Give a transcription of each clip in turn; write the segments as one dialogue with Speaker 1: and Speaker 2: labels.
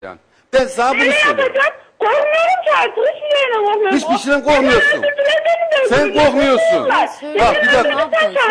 Speaker 1: Yani. Ben sana bunu
Speaker 2: Ne
Speaker 1: söylüyorum.
Speaker 2: yapacağım? Korkmuyorum ki artık. Hiçbir şeyden korkmuyorum.
Speaker 1: Hiçbir şeyden korkmuyorsun. Sen korkmuyorsun. Bak bir dakika.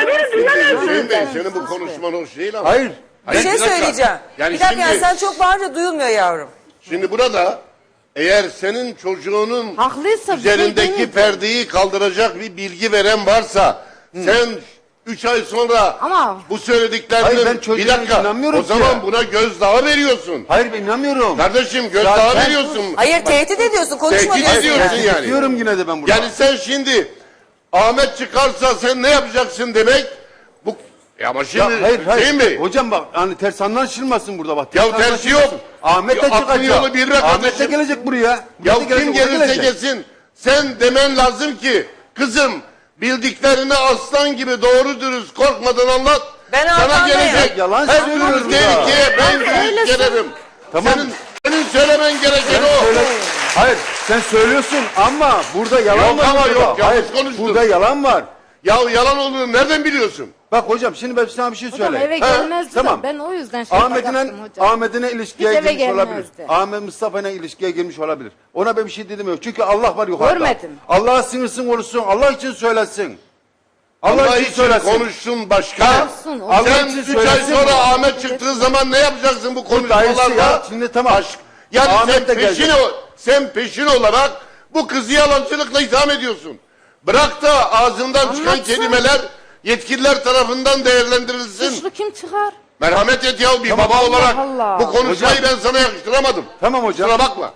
Speaker 3: Hüseyin Bey senin bu konuşman hoş değil ama.
Speaker 1: Hayır.
Speaker 4: Bir şey
Speaker 3: dakika.
Speaker 4: söyleyeceğim.
Speaker 3: Yani
Speaker 4: bir dakika
Speaker 3: şimdi-
Speaker 4: sen çok bağırınca duyulmuyor yavrum.
Speaker 3: Şimdi burada eğer senin çocuğunun
Speaker 5: Haklıysa bir şey
Speaker 3: üzerindeki
Speaker 5: demedim.
Speaker 3: perdeyi kaldıracak bir bilgi veren varsa sen 3 ay sonra
Speaker 5: Ama-
Speaker 3: bu söylediklerinin
Speaker 1: Hayır, ben
Speaker 3: bir
Speaker 1: çocuğuna
Speaker 3: dakika
Speaker 1: inanmıyorum
Speaker 3: o
Speaker 1: ki.
Speaker 3: zaman buna gözdağı veriyorsun.
Speaker 1: Hayır ben inanmıyorum.
Speaker 3: Kardeşim
Speaker 1: Zaten-
Speaker 3: gözdağı veriyorsun.
Speaker 4: Hayır tehdit ediyorsun konuşma
Speaker 3: Tehdit
Speaker 4: diyorsun.
Speaker 3: ediyorsun
Speaker 4: yani.
Speaker 3: yani.
Speaker 1: Diyorum yine de ben burada.
Speaker 3: Yani sen şimdi Ahmet çıkarsa sen ne yapacaksın demek? Bu ama şimdi
Speaker 1: Ya, hayır
Speaker 3: Hüseyin Bey.
Speaker 1: Hocam bak hani ters anlaşılmasın burada bak.
Speaker 3: Ya
Speaker 1: Ters
Speaker 3: tersi
Speaker 1: anlaşılmasın.
Speaker 3: yok.
Speaker 1: Ahmet de
Speaker 3: Ya, aklın
Speaker 1: çıkacak.
Speaker 3: yolu bir be
Speaker 1: Ahmet de
Speaker 3: kardeşim.
Speaker 1: gelecek buraya.
Speaker 3: Ya
Speaker 1: Ahmet de
Speaker 3: kim
Speaker 1: gelecek, o da
Speaker 3: gelirse
Speaker 1: gelecek.
Speaker 3: gelsin sen demen lazım ki kızım bildiklerini aslan gibi doğru dürüst korkmadan anlat.
Speaker 4: Ben
Speaker 3: sana
Speaker 4: arkandayım.
Speaker 3: gelecek.
Speaker 1: Yalan
Speaker 3: Her
Speaker 1: söylüyorum
Speaker 3: türlü
Speaker 1: ya.
Speaker 3: tehlikeye ben
Speaker 5: Öyle
Speaker 3: göğüs gererim.
Speaker 1: Tamam.
Speaker 3: Senin söylemen gereken o.
Speaker 1: Hayır sen söylüyorsun ama burada yalan
Speaker 3: Yok
Speaker 1: var.
Speaker 3: ama
Speaker 1: burada.
Speaker 3: yok, yanlış
Speaker 1: Hayır
Speaker 3: konuştun.
Speaker 1: burada yalan var.
Speaker 3: Ya yalan olduğunu nereden biliyorsun?
Speaker 1: Bak hocam şimdi ben sana bir şey
Speaker 5: Hocam
Speaker 1: söyleyeyim.
Speaker 5: eve
Speaker 1: Ha,
Speaker 5: gelmezdi
Speaker 1: tamam.
Speaker 5: da ben o yüzden şey yapacaktım hocam.
Speaker 1: Ahmet'ine ilişkiye
Speaker 5: Hiç eve
Speaker 1: girmiş olabilir.
Speaker 5: gelmezdi.
Speaker 1: Ahmet Mustafa'yla ilişkiye girmiş olabilir. Ona ben bir şey dedim yok. Çünkü Allah var yukarıda.
Speaker 5: Görmedim.
Speaker 1: Allah'a sinirsin konuşsun. Allah için söylesin.
Speaker 3: Allah için konuşsun başka.
Speaker 5: Olsun, olsun.
Speaker 1: Allah
Speaker 3: Sen
Speaker 1: için
Speaker 3: 3 ay
Speaker 1: söylesin.
Speaker 3: sonra Ahmet çıktığı zaman ne yapacaksın bu
Speaker 1: dayısı
Speaker 3: konuşmalarla?
Speaker 1: ya, şimdi tamam.
Speaker 3: Yani
Speaker 1: Ahmet de gelecek.
Speaker 3: sen peşin olarak bu kızı yalancılıkla itham ediyorsun. Bırak da ağzından çıkan
Speaker 5: Anlatsın.
Speaker 3: kelimeler yetkililer tarafından değerlendirilsin.
Speaker 5: Suçlu kim çıkar?
Speaker 3: Merhamet et ya bir
Speaker 1: Tamam,
Speaker 3: baba
Speaker 1: Allah
Speaker 3: olarak
Speaker 5: Allah.
Speaker 3: bu konuşmayı
Speaker 1: Hocam.
Speaker 3: ben sana yakıştıramadım.
Speaker 1: Tamam hocam.
Speaker 3: Kusura bakma.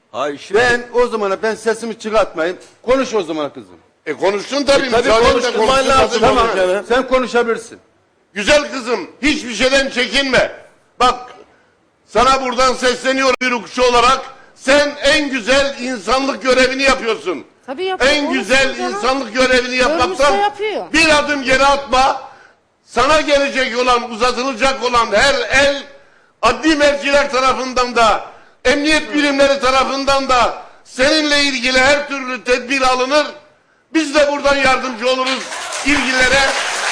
Speaker 1: Ben o zamana ben sesimi çıkartmayayım. Konuş o zaman kızım.
Speaker 3: Konuştun tabii.
Speaker 1: Tabii
Speaker 3: müsaadenle
Speaker 1: konuşturman
Speaker 3: konuşsun
Speaker 1: lazım.
Speaker 3: tabii.
Speaker 1: Tamam. Sen konuşabilirsin.
Speaker 3: Güzel kızım hiçbir şeyden çekinme. Bak sana buradan sesleniyorum bir hukukçu olarak. Sen en güzel insanlık görevini yapıyorsun.
Speaker 5: Tabii yapıyor,
Speaker 3: En
Speaker 5: konuşsun
Speaker 3: güzel
Speaker 5: canım.
Speaker 3: insanlık görevini yapmaktan
Speaker 5: Görmüşse yapıyor.
Speaker 3: bir adım geri atma. Sana gelecek olan, uzatılacak olan her el adli merciler tarafından da, emniyet birimleri tarafından da seninle ilgili her türlü tedbir alınır. Biz de buradan yardımcı oluruz ilgililere.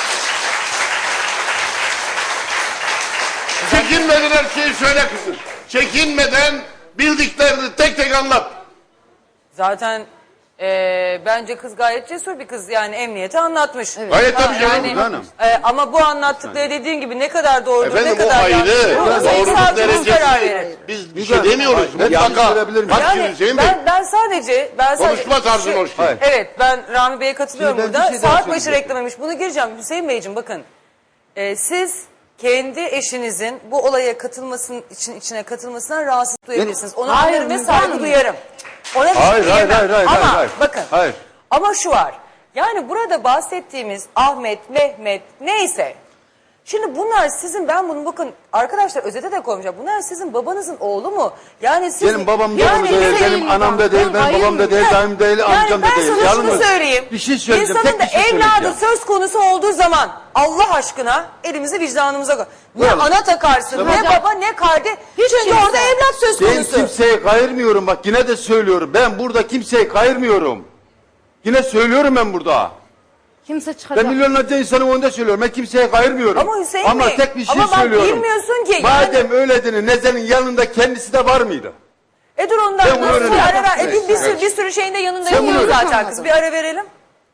Speaker 3: Çekinmeden her şeyi söyle kızım. Çekinmeden bildiklerini tek tek anlat.
Speaker 4: Zaten bence kız gayet cesur bir kız yani emniyete anlatmış.
Speaker 3: Gayet tabii canım.
Speaker 1: Canım.
Speaker 4: Ama bu anlattıkları dediğin gibi ne kadar doğrudur
Speaker 3: Efendim
Speaker 4: ne
Speaker 3: o
Speaker 4: kadar
Speaker 3: ayrı.
Speaker 4: yanlış. Sayın
Speaker 3: Doğruluk
Speaker 4: savcımız karar verir.
Speaker 3: derecesi. Biz bir
Speaker 1: Güzel.
Speaker 3: şey demiyoruz.
Speaker 1: Ben
Speaker 3: Mutlaka.
Speaker 1: söyleyebilir miyim?
Speaker 3: Bak
Speaker 4: Yani
Speaker 3: şimdi Hüseyin Bey.
Speaker 4: ben sadece
Speaker 3: Konuşma tarzın hoş değil.
Speaker 4: Evet ben Rami Bey'e katılıyorum
Speaker 1: Şimdi ben
Speaker 4: burada.
Speaker 1: bir şey daha
Speaker 4: Saat başı
Speaker 1: söyleyecektim.
Speaker 4: reklamıymış. Bunu gireceğim Hüseyin Beyciğim bakın. Siz kendi eşinizin bu olaya katılmasının içine katılmasından rahatsız duyabilirsiniz. Ona
Speaker 5: Hayır,
Speaker 4: anlarım ve
Speaker 5: Müge
Speaker 4: saygı
Speaker 5: Hanım.
Speaker 4: duyarım. Ona bir şey
Speaker 1: Hayır, hayır,
Speaker 4: diyemem.
Speaker 1: hayır, hayır,
Speaker 4: Ama
Speaker 1: hayır.
Speaker 4: bakın.
Speaker 1: Hayır.
Speaker 4: Ama şu var. Yani burada bahsettiğimiz Ahmet, Mehmet neyse. Şimdi bunlar sizin ben bunu bakın arkadaşlar özete de koymayacağım. Bunlar sizin babanızın oğlu mu? Yani siz
Speaker 1: Benim babam da
Speaker 4: yani
Speaker 1: değil,
Speaker 4: bizim-
Speaker 1: benim anam da değil, benim babam da değil, dayım değil, amcam da değil.
Speaker 4: Yani ben sana şunu
Speaker 1: Yalnız
Speaker 4: söyleyeyim.
Speaker 1: bir şey söyleyeceğim,
Speaker 4: İnsanın
Speaker 1: tek bir şey
Speaker 4: da evladı
Speaker 1: söyleyeceğim.
Speaker 4: söz konusu olduğu zaman Allah aşkına elimizi vicdanımıza koy. Ne
Speaker 1: Tamam.
Speaker 4: ana takarsın,
Speaker 1: Tamam.
Speaker 4: ne baba, ne kardeş. Çünkü
Speaker 5: kimse.
Speaker 4: orada evlat söz
Speaker 1: Ben
Speaker 4: konusu.
Speaker 1: kimseyi kayırmıyorum bak yine de söylüyorum. Ben burada kimseyi kayırmıyorum. Yine söylüyorum ben burada.
Speaker 5: Kimse çıkacak.
Speaker 1: Ben milyonlarca insanın önünde söylüyorum. Ben kimseye kayırmıyorum.
Speaker 4: Ama Hüseyin
Speaker 1: Ama
Speaker 4: Bey,
Speaker 1: tek bir şey
Speaker 4: ama bak
Speaker 1: söylüyorum.
Speaker 4: bilmiyorsun ki.
Speaker 1: Madem öyleydin Nezen'in yanında kendisi de var mıydı?
Speaker 4: Dur ondan
Speaker 1: Ben bunu
Speaker 4: nasıl bir
Speaker 1: öğreneceğim.
Speaker 4: ara ver.
Speaker 1: Evet,
Speaker 4: Bir sürü şeyin de yanında
Speaker 1: Sen bunu
Speaker 4: yok
Speaker 1: öğren.
Speaker 4: zaten kız. Bir ara verelim.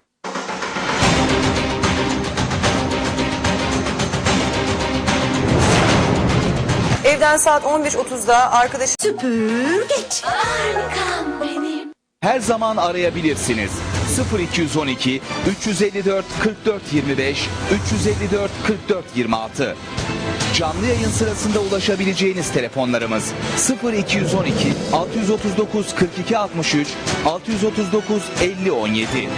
Speaker 4: Evden saat 15.30'da arkadaşım
Speaker 6: Her zaman arayabilirsiniz. 0212 354 44 25 354 44 26. Canlı yayın sırasında ulaşabileceğiniz telefonlarımız 0212 639 42 63 639 50 17.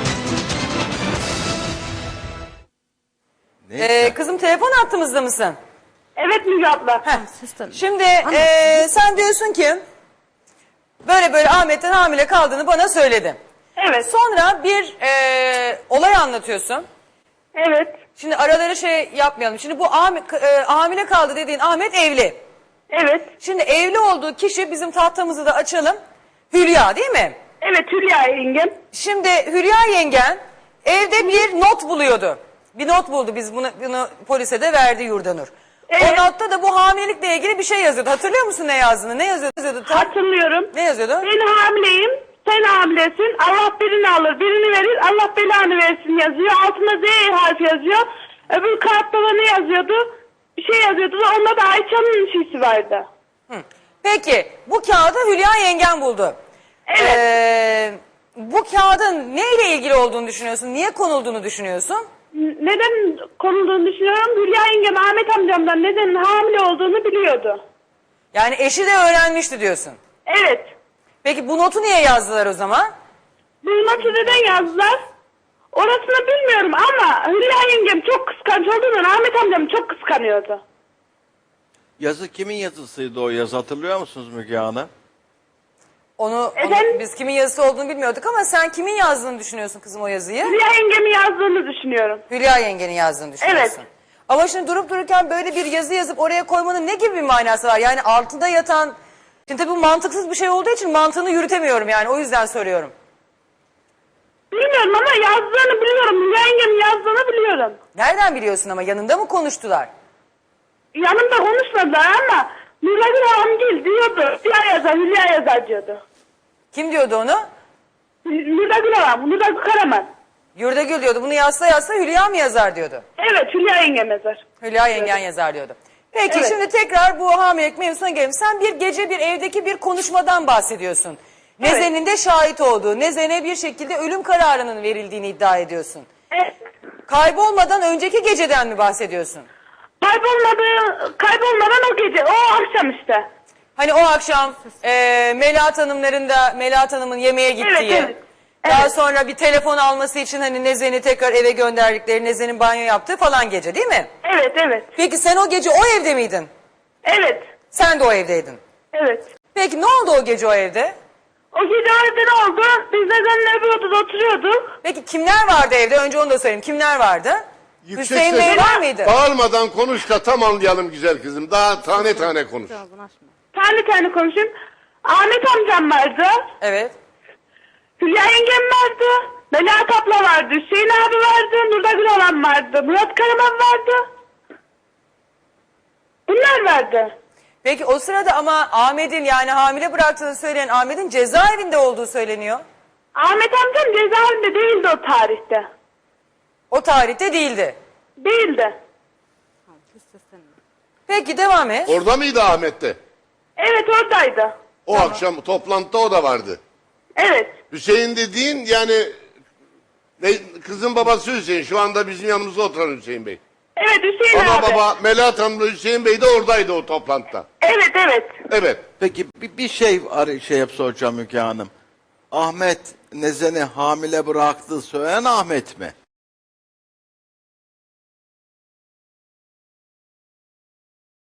Speaker 4: kızım telefon hattımızda mısın?
Speaker 2: Evet Müge abla.
Speaker 5: Sistem.
Speaker 4: Şimdi sen diyorsun ki böyle Ahmet'ten hamile kaldığını bana söyledin.
Speaker 2: Evet.
Speaker 4: Sonra bir olay anlatıyorsun.
Speaker 2: Evet.
Speaker 4: Şimdi araları şey yapmayalım. Şimdi bu hamile kaldı dediğin Ahmet evli.
Speaker 2: Evet.
Speaker 4: Şimdi evli olduğu kişi bizim tahtamızı da açalım. Hülya değil mi?
Speaker 2: Evet Hülya yengem.
Speaker 4: Şimdi Hülya yengen evde bir not buluyordu. Bir not buldu biz bunu polise de verdi Yurdanur.
Speaker 2: Evet.
Speaker 4: O notta da bu hamilelikle ilgili bir şey yazıyordu. Hatırlıyor musun ne yazdığını? Ne yazıyordu?
Speaker 2: Hatırlıyorum.
Speaker 4: Ne yazıyordu?
Speaker 2: Ben hamileyim. Sen hamilesin. Allah birini alır, birini verir. Allah belanı versin yazıyor. Altında Z harfi yazıyor. Öbür kağıtta da ne yazıyordu? Bir şey yazıyordu. Onda da Ayça'nın şeysi vardı.
Speaker 4: Peki bu kağıdı Hülya yengen buldu.
Speaker 2: Evet.
Speaker 4: Bu kağıdın neyle ilgili olduğunu düşünüyorsun? Niye konulduğunu düşünüyorsun?
Speaker 2: Neden konulduğunu düşünüyorum. Hülya yengem Ahmet amcamdan neden hamile olduğunu biliyordu.
Speaker 4: Yani eşi de öğrenmişti diyorsun.
Speaker 2: Evet.
Speaker 4: Peki bu notu niye yazdılar o zaman?
Speaker 2: Bu notu neden yazdılar? Orasını bilmiyorum ama Hülya yengem çok kıskanç olduğundan Ahmet amcam çok kıskanıyordu.
Speaker 1: Yazı kimin yazısıydı o yazı hatırlıyor musunuz Müge Hanım?
Speaker 4: Onu
Speaker 2: Efendim?
Speaker 4: biz kimin yazısı olduğunu bilmiyorduk ama sen kimin yazdığını düşünüyorsun kızım o yazıyı?
Speaker 2: Hülya yengemin yazdığını düşünüyorum.
Speaker 4: Hülya yengenin yazdığını düşünüyorsun.
Speaker 2: Evet.
Speaker 4: Ama şimdi durup dururken böyle bir yazı yazıp oraya koymanın ne gibi bir manası var? Yani altında yatan... Şimdi tabii bu mantıksız bir şey olduğu için mantığını yürütemiyorum yani o yüzden soruyorum.
Speaker 2: Bilmiyorum ama yazdığını biliyorum. Hülya yengemin yazdığını biliyorum.
Speaker 4: Nereden biliyorsun ama yanında mı konuştular?
Speaker 2: Yanımda konuşmadılar ama Nuragül Hamgil diyordu. Hülya yazar, Hülya yazar diyordu.
Speaker 4: Kim diyordu onu?
Speaker 2: Nuragül Hamgil, Nuragül Karaman.
Speaker 4: Yurdagül diyordu. Bunu yazsa Hülya mı yazar diyordu.
Speaker 2: Evet, Hülya yengem yazar.
Speaker 4: Hülya yengen yazar diyordu. Peki
Speaker 2: Evet.
Speaker 4: şimdi tekrar bu hamilelik mevzusuna gelelim. Sen bir gece bir evdeki bir konuşmadan bahsediyorsun. Nezen'in de şahit olduğu, Nezen'e bir şekilde ölüm kararının verildiğini iddia ediyorsun.
Speaker 2: Evet.
Speaker 4: Kaybolmadan önceki geceden mi bahsediyorsun?
Speaker 2: Kaybolmadan o gece, o akşam işte.
Speaker 4: Hani o akşam Melahat Hanım'ın yemeğe gittiği,
Speaker 2: Evet, evet.
Speaker 4: daha
Speaker 2: Evet.
Speaker 4: sonra bir telefon alması için hani Nezen'i tekrar eve gönderdikleri, Nezen'in banyo yaptığı falan gece değil mi?
Speaker 2: Evet, evet.
Speaker 4: Peki sen o gece o evde miydin?
Speaker 2: Evet,
Speaker 4: Sen de o evdeydin.
Speaker 2: evet.
Speaker 4: Peki ne oldu o gece o evde?
Speaker 2: O gece orada ne oldu? Biz nedenle öbür odada oturuyorduk.
Speaker 4: Peki kimler vardı evde? Önce onu da söyleyeyim. Kimler vardı?
Speaker 3: Yüksek
Speaker 4: Hüseyin Bey
Speaker 3: sesle-
Speaker 4: var mıydı?
Speaker 3: Bağırmadan konuş da tam anlayalım güzel kızım. Daha tane tane konuş.
Speaker 5: Ağzını açma.
Speaker 2: Tane tane konuşayım. Ahmet amcam vardı.
Speaker 4: Evet.
Speaker 2: Hülya yengem vardı. Melahat abla vardı. Hüseyin abi vardı. Nuragül olan vardı. Murat Karaman vardı. Bunlar vardı.
Speaker 4: Peki o sırada ama Ahmet'in yani hamile bıraktığını söyleyen Ahmet'in cezaevinde olduğu söyleniyor.
Speaker 2: Ahmet amcam cezaevinde değildi o tarihte.
Speaker 4: O tarihte değildi.
Speaker 2: Değildi.
Speaker 5: Hiç seslenme.
Speaker 4: Peki devam et.
Speaker 3: Orada mıydı Ahmet'te?
Speaker 2: Evet oradaydı.
Speaker 3: O akşam toplantıda o da vardı.
Speaker 2: Evet.
Speaker 3: Hüseyin dediğin yani kızın babası Hüseyin. Şu anda bizim yanımızda oturan Hüseyin Bey.
Speaker 2: Evet Hüseyin
Speaker 3: Ana
Speaker 2: abi.
Speaker 3: baba Melahat Hanım'la Hüseyin Bey de oradaydı o toplantıda.
Speaker 2: Evet evet.
Speaker 3: Evet.
Speaker 1: Peki bir şey soracağım Müge Hanım. Ahmet Nezen'i hamile bıraktığı söyleyen Ahmet mi?